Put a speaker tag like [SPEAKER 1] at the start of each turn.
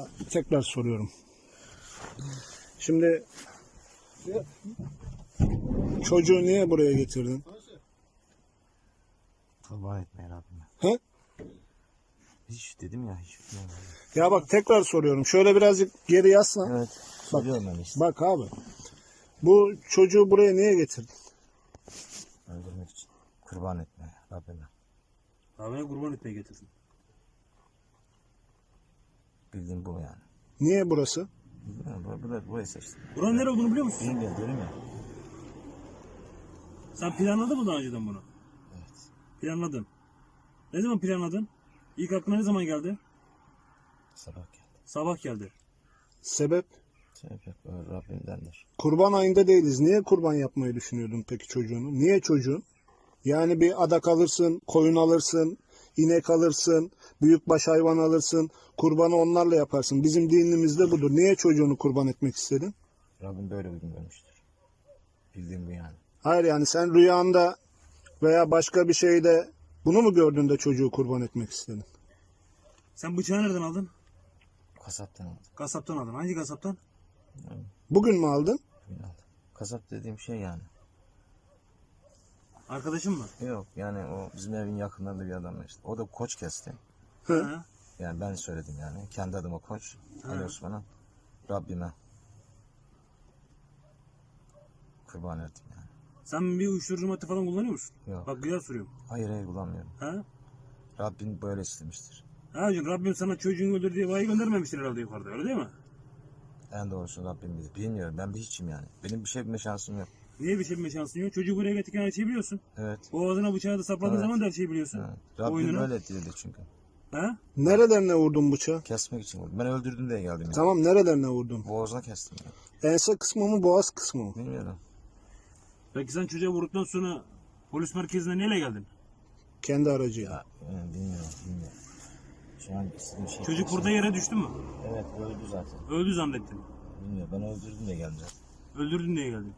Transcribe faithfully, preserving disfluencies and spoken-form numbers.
[SPEAKER 1] Ama tekrar soruyorum. Şimdi çocuğu niye buraya getirdin?
[SPEAKER 2] Kurban etmeye Rabbime.
[SPEAKER 1] He?
[SPEAKER 2] Hiç dedim ya hiç bilmiyorum.
[SPEAKER 1] Ya bak tekrar soruyorum. Şöyle birazcık geri yaslan.
[SPEAKER 2] Evet. Söylüyorum ben işte.
[SPEAKER 1] Bak abi. Bu çocuğu buraya niye getirdin?
[SPEAKER 2] Öldürmek için. Kurban etmeye Rabbime.
[SPEAKER 3] Rabbime kurban etmeye getirdim.
[SPEAKER 2] Bildiğim bu yani.
[SPEAKER 1] Niye burası?
[SPEAKER 2] Bilmiyorum. Bu, bu, burayı seçtim.
[SPEAKER 3] Buranın nere olduğunu biliyor musun?
[SPEAKER 2] Bilmiyorum diyorum ya.
[SPEAKER 3] Sen planladın mı daha önceden bunu?
[SPEAKER 2] Evet.
[SPEAKER 3] Planladın. Ne zaman planladın? İlk aklına ne zaman geldi?
[SPEAKER 2] Sabah geldi.
[SPEAKER 3] Sabah geldi.
[SPEAKER 1] Sebep?
[SPEAKER 2] Sebep yok. O Rabbimdendir.
[SPEAKER 1] Kurban ayında değiliz. Niye kurban yapmayı düşünüyordun peki çocuğunu? Niye çocuğun? Yani bir adak alırsın, koyun alırsın, inek alırsın, büyükbaş hayvan alırsın. Kurbanı onlarla yaparsın. Bizim dinimizde budur. Niye çocuğunu kurban etmek istedin?
[SPEAKER 2] Rabbim böyle uygun görmüştür. Bildiğim bu yani.
[SPEAKER 1] Hayır, yani sen rüyanda veya başka bir şeyde bunu mu gördün de çocuğu kurban etmek istedin?
[SPEAKER 3] Sen bıçağı nereden aldın?
[SPEAKER 2] Kasaptan aldım.
[SPEAKER 3] Kasaptan aldın. Hangi kasaptan?
[SPEAKER 1] Bugün mü aldın?
[SPEAKER 2] Bugün aldım. Kasap dediğim şey yani.
[SPEAKER 3] Arkadaşın mı?
[SPEAKER 2] Yok yani o bizim evin yakınlarında bir adam işte. O da koç kesti.
[SPEAKER 3] Hı.
[SPEAKER 2] Yani ben söyledim yani. Kendi adıma koç. Ali Osman'a. Rabbime. Kurban ettim yani.
[SPEAKER 3] Sen bir uyuşturucu madde falan kullanıyor musun?
[SPEAKER 2] Yok.
[SPEAKER 3] Bak güzel soruyorum.
[SPEAKER 2] Hayır hayır kullanmıyorum.
[SPEAKER 3] Ha?
[SPEAKER 2] Rabbim böyle istemiştir.
[SPEAKER 3] Ha hocam, Rabbim sana çocuğunu öldür diye vahiy göndermemiştir herhalde yukarıda, öyle değil mi?
[SPEAKER 2] En doğrusu Rabbim bilir. Bilmiyorum ben bir hiçim yani. Benim bir şey bilme şansım yok.
[SPEAKER 3] Niye bir şey bilme şansın yok? Çocuğu buraya getirirken her şeyi biliyorsun.
[SPEAKER 2] Evet.
[SPEAKER 3] Boğazına bıçağı da sapladığın
[SPEAKER 2] Evet.
[SPEAKER 3] zaman da her şeyi biliyorsun.
[SPEAKER 2] evet. Rabbim
[SPEAKER 3] Oyununu.
[SPEAKER 2] böyle dedi çünkü.
[SPEAKER 3] Ha?
[SPEAKER 1] Nerelerine vurdun bıçağı?
[SPEAKER 2] Kesmek için vurdum. Ben öldürdüm diye geldim yani.
[SPEAKER 1] Tamam, nerelerine vurdun?
[SPEAKER 2] Boğazına kestim yani.
[SPEAKER 1] Ense kısmı mı, boğaz kısmı mı?
[SPEAKER 2] Bilmiyorum.
[SPEAKER 3] Peki sen çocuğa vurduktan sonra polis merkezine neyle geldin?
[SPEAKER 1] Kendi aracıyla.
[SPEAKER 2] Ya, yani bilmiyorum bilmiyorum. Şu an istediğim şey.
[SPEAKER 3] Çocuk burada yere düştü mü?
[SPEAKER 2] Evet öldü zaten.
[SPEAKER 3] Öldü zannettin.
[SPEAKER 2] Bilmiyorum ben öldürdüm diye geldim zaten.
[SPEAKER 3] Öldürdün diye geldin.